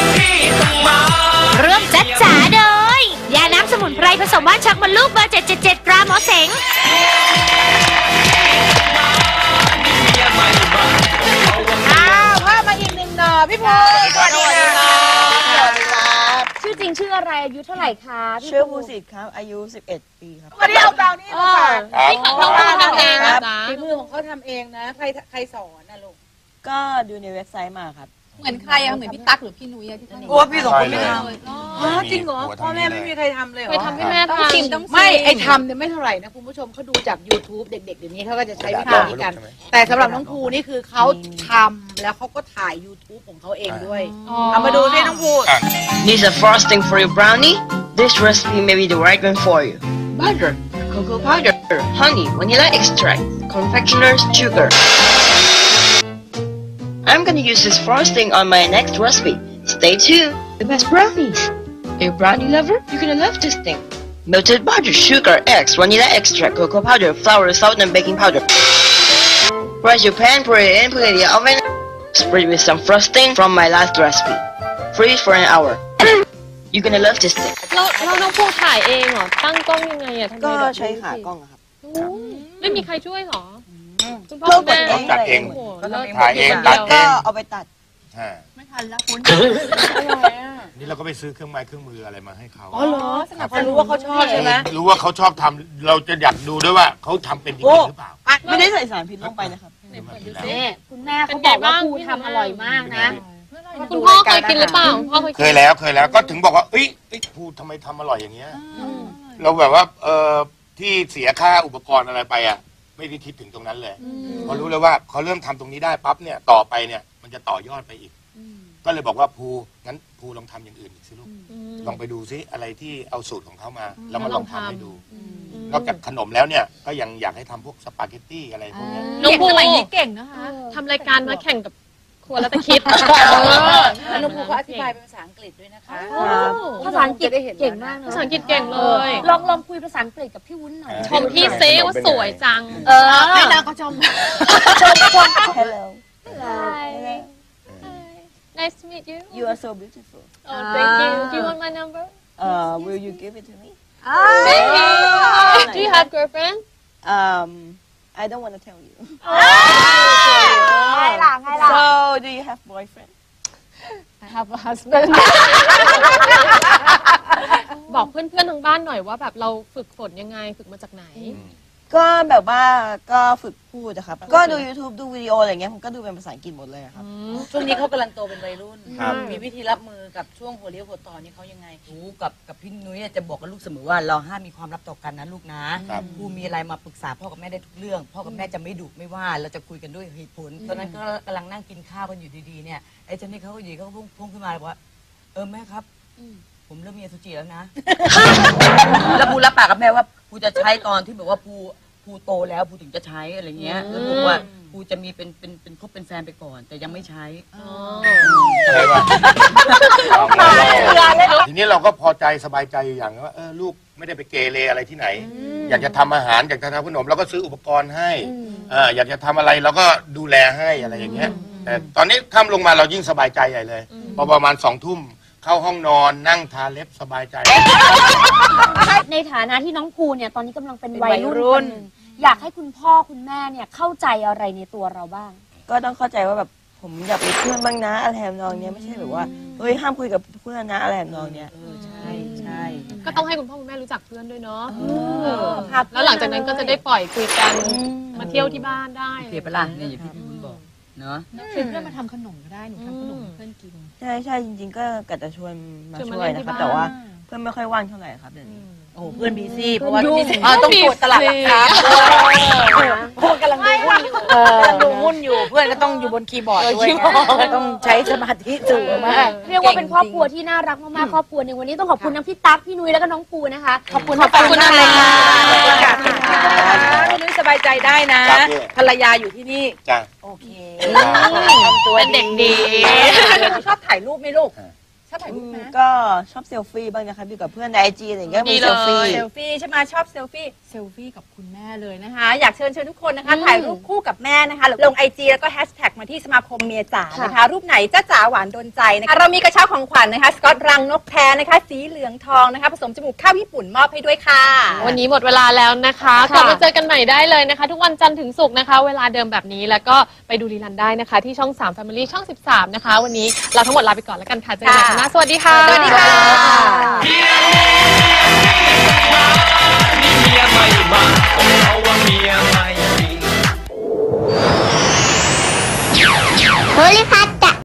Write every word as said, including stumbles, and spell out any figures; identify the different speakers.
Speaker 1: เริ่มจัดจ๋าโดยยาน้ำสมุนไพรผสมว่านชักมดลูกเบอร์เจ็ดเจ็ดเจ็ดตราหมอเสง
Speaker 2: อ้าวพามาอีกหนึ่งหน่อพี่ภูสวัสดีค่ะชื่อจริงชื่ออะไรอายุเท่าไหร่คะ
Speaker 3: ชื่อภูสิทธิ์ครับอายุสิบเอ็ดปีครับ
Speaker 2: วันนี้เอาเปล่านี่มาฝาก
Speaker 4: นี่ของน้องภูทำเองนะจ๊ะ
Speaker 2: ฝีมือของเขาทำเองนะใครใครสอนนะลูก
Speaker 3: ก็ดูในเว็บไซต์มาครับ
Speaker 4: เหมือนใครอะเหมือนพี่ตั๊กหรือพี่นุ้ยอะที่ทำ
Speaker 2: โอ้พี่สองคนไม่ทำอ๋อจริงเหรอพ่อแม่ไม่มีใครทำเลยเหรอ
Speaker 4: ไปทำให้แม่ทำ
Speaker 2: ไม่ไอทำเนี่ยไม่เท่าไหร่นะคุณผู้ชมเขาดูจาก YouTube เด็กๆเดี๋ยวนี้เขาก็จะใช้วิธีนี้กันแต่สำหรับน้องภูนี่คือเขาทำแล้วเขาก็ถ่าย YouTube ของเขาเองด้วยเอามาดูสิน้องภู
Speaker 5: Need a frosting for your brownie? This recipe may be the right one for you. Butter, cocoa powder, honey, vanilla extract, confectioner's sugar. I'm gonna use this frosting on my next recipe. Stay tuned. The best brownies. Are you a brownie lover? You're gonna love this thing. Melted butter, sugar, eggs, vanilla extract, cocoa powder, flour, salt, and baking powder. Press your pan, put it in, put it in the oven. Spread with some frosting from my last recipe. Freeze for an hour. You're gonna love this thing.
Speaker 4: เราเราน้องภูถ่ายเองเหรอตั้งกล้องยังไงอะทำไม
Speaker 3: ก็
Speaker 4: แบบ
Speaker 3: ใช้ขากล้องครับ
Speaker 4: ไม่มีใครช่วยเหรอคุณพ่อ
Speaker 3: เรา
Speaker 4: แม่
Speaker 3: ต้องจัดเอง
Speaker 6: ถ่ายเองตัดเอ
Speaker 3: ก็
Speaker 6: ง
Speaker 3: เอาไปตัด
Speaker 4: ไม่ทันแล้วคุณ
Speaker 6: นี่เราก็ไปซื้อเครื่องไม้เครื่องมืออะไรมาให้เขา
Speaker 2: อ๋อเหรอเขารู้ว่าเขาชอบใช่ไหม
Speaker 6: รู้ว่าเขาชอบทำเราจะอยากดูด้วยว่าเขาทำเป็นจริงหรือเปล่า
Speaker 3: ไม่ได้ใส่สารพิษลงไปนะครับ
Speaker 2: นี่คุณแม่เขาบอกว่าภูทำอร่อยมากนะ
Speaker 4: คุณพ่อเคยกินหรือเปล่าพ่อเคย
Speaker 6: เคยแล้วเคยแล้วก็ถึงบอกว่าเอ้ยพูดทำไมทำอร่อยอย่างเงี้ยเราแบบว่าเออที่เสียค่าอุปกรณ์อะไรไปอ่ะไม่ได้คิดถึงตรงนั้นเลยพอรู้เลยว่าเขาเริ่มทำตรงนี้ได้ปั๊บเนี่ยต่อไปเนี่ยมันจะต่อยอดไปอีกก็เลยบอกว่าภูงั้นภูลองทำอย่างอื่นอีกสิลูกลองไปดูซิอะไรที่เอาสูตรของเขามาแล้วมาลองทำให้ดูนอกจากขนมแล้วเนี่ยก็ยังอยากให้ทำพวกสปาเกตตี้อะไรพวกนี้
Speaker 4: น้องภูสมัยนี้เก่งนะคะทำรายการมาแข่งกับครัวแล้วแต่คิด
Speaker 2: น้องภูเขาอธิบายเป็นภาษาอังกฤษด้วยนะคะ
Speaker 1: ภาษาอังกฤษเก่งมาก
Speaker 4: ภาษาอังกฤษเก่งเลย
Speaker 1: ลองลองคุยภาษาอังกฤษกับพี่วุ้นหน่อย
Speaker 4: ชมพี่เซว่าสวยจัง
Speaker 1: เออไม่นางก็ชมชมชม
Speaker 3: Hello
Speaker 4: Nice to meet you
Speaker 3: You are so beautiful
Speaker 4: Oh thank you Do you want my number
Speaker 3: Uh Will you give it to me
Speaker 4: Maybe Do you have girlfriend
Speaker 3: Um I don't want to tell you
Speaker 1: ไงล่ะไงล่ะ
Speaker 3: So do you have boyfriend
Speaker 4: I have a husband บอกเพื่อนๆทางบ้านหน่อยว่าแบบเราฝึกฝนยังไงฝึกมาจากไหน
Speaker 3: ก็แบบว่าก็ฝึกพูดนะครับก็ดู YouTube ดูวิดีโออะไรเงี้ยผมก็ดูเป็นภาษาอังกฤษหมดเลยครับ
Speaker 2: ช่วงนี้เขากำลังโตเป็นวัยรุ่นมีวิธีรับมือกับช่วงหัวเลี้ยวหัวต่อนี่เขายังไงรู้กับกับพี่นุ้ยจะบอกกับลูกเสมอว่าเราห้ามมีความลับต่อกันนะลูกนะครูมีอะไรมาปรึกษาพ่อกับแม่ได้ทุกเรื่องพ่อกับแม่จะไม่ดุไม่ว่าเราจะคุยกันด้วยเหตุผลตอนนั้นก็กำลังนั่งกินข้าวกันอยู่ดีๆเนี่ยไอ้เจ้านี่เขาก็ดีเขาพุ่งพุ่งขึ้นมาเลยว่าเออแม่ครับผมเริ่มมีอสุจิแล้วนะแล้วภูรับปากกับแม่ว่าภูจะใช้ตอนที่แบบว่าภูภูโตแล้วภูถึงจะใช้อะไรเงี้ยแล้วบอกว่าภูจะมีเป็นเป็นเป็นคบเป็นแฟนไปก่อนแต่ยังไม่ใช้
Speaker 6: ใช่ป่ะทีนี้เราก็พอใจสบายใจอย่างว่าเออลูกไม่ได้ไปเกเรอะไรที่ไหนอยากจะทำอาหารอยากจะทำขนมเราก็ซื้ออุปกรณ์ให้อ่าอยากจะทำอะไรเราก็ดูแลให้อะไรอย่างเงี้ยแต่ตอนนี้ค่ำลงมาเรายิ่งสบายใจใหญ่เลยพอประมาณสองทุ่มเข้าห้องนอนนั่งทาเล็บสบายใจ
Speaker 1: ในฐานะที่น้องภูเนี่ยตอนนี้กำลังเป็นวัยรุ่นอยากให้คุณพ่อคุณแม่เนี่ยเข้าใจอะไรในตัวเราบ้าง
Speaker 3: ก็ต้องเข้าใจว่าแบบผมอยากเป็นเพื่อนบ้างนะอะไรแถมนองเนี้ยไม่ใช่แบบว่าเฮ้ยห้ามคุยกับเพื่อนนะอะไรแถมนองเนี้ย
Speaker 2: ใช่ใช่
Speaker 4: ก็ต้องให้คุณพ่อคุณแม่รู้จักเพื่อนด้วยเนาะแล้วหลังจากนั้นก็จะได้ปล่อยคุยกันมาเที่ยวที่บ้านได้
Speaker 2: เสียเวลาเนี่ยอย่างที่พี่บุญบอกเนาะ
Speaker 4: ชวนเพื่อนมาทำขนมก็ได้หนูทำขนมเพื่อนกิน
Speaker 3: ใช่ใช่จริงๆก็กะจะชวนมาช่วยนะครับแต่ว่าเพื่อนไม่ค่อยว่างเท่าไหร่ครับเดี๋ยวนี้
Speaker 2: โอ้เพื่อนบีซี่เพราะว่าต้องตรวจตลาดหลักทรัพย์พวกกำลังดูหุ้นกำลังดูหุ้นอยู่เพื่อนก็ต้องอยู่บนคีย์บอร์ดด้วยต้องใช้สมาธิสูงมาก
Speaker 1: เรียกว่าเป็นครอบครัวที่น่ารักมากๆครอบครัวหนึ่งวันนี้ต้องขอบคุณทั้งพี่ตั๊กพี่นุ้ยแล้วก็น้องภูนะคะ
Speaker 2: ขอบคุณขอบคุณอะไรค่ะพี่นุ้ยสบายใจได้นะภรรยาอยู่ที่นี่
Speaker 6: จ้ะ
Speaker 2: โอเค
Speaker 4: เป็นเด็กดี
Speaker 2: ชอบถ่ายรูปไหมลูก
Speaker 7: ชอบถ่ายรูปไหม
Speaker 3: ก็ชอบเซลฟี่บ้างนะคะอยู่กับเพื่อนในไอจีอะไรอย่างเงี้ยมีเซลฟี่
Speaker 7: เซลฟี่ใช่ไหมชอบเซลฟี่เซลฟี่กับคุณแม่เลยนะคะอยากเชิญชวนทุกคนนะคะถ่ายรูปคู่กับแม่นะคะลงไอจีแล้วก็แฮชแท็กมาที่สมาคมเมียจ๋านะคะรูปไหนจ้าจ๋าหวานโดนใจนะคะเรามีกระเช้าของขวัญนะคะสกอตรังนกแท้นะคะสีเหลืองทองนะคะผสมจมูกข้าวญี่ปุ่นมอบให้ด้วยค่ะ
Speaker 4: วันนี้หมดเวลาแล้วนะคะกลับมาเจอกันใหม่ได้เลยนะคะ ทุกวันจันทร์ถึงศุกร์นะคะ เวลาเดิมแบบนี้แล้วก็ไปดูรีลันได้นะคะ ที่ช่องสาม Family ช่องสิบสามนะคะ วันนี้เราทั้งหมดลาไปก่อนแล้วกันค่ะเจอกันใหม่ครั้งหน้าสวัสดีค่ะ
Speaker 7: สวัสดีค่ะ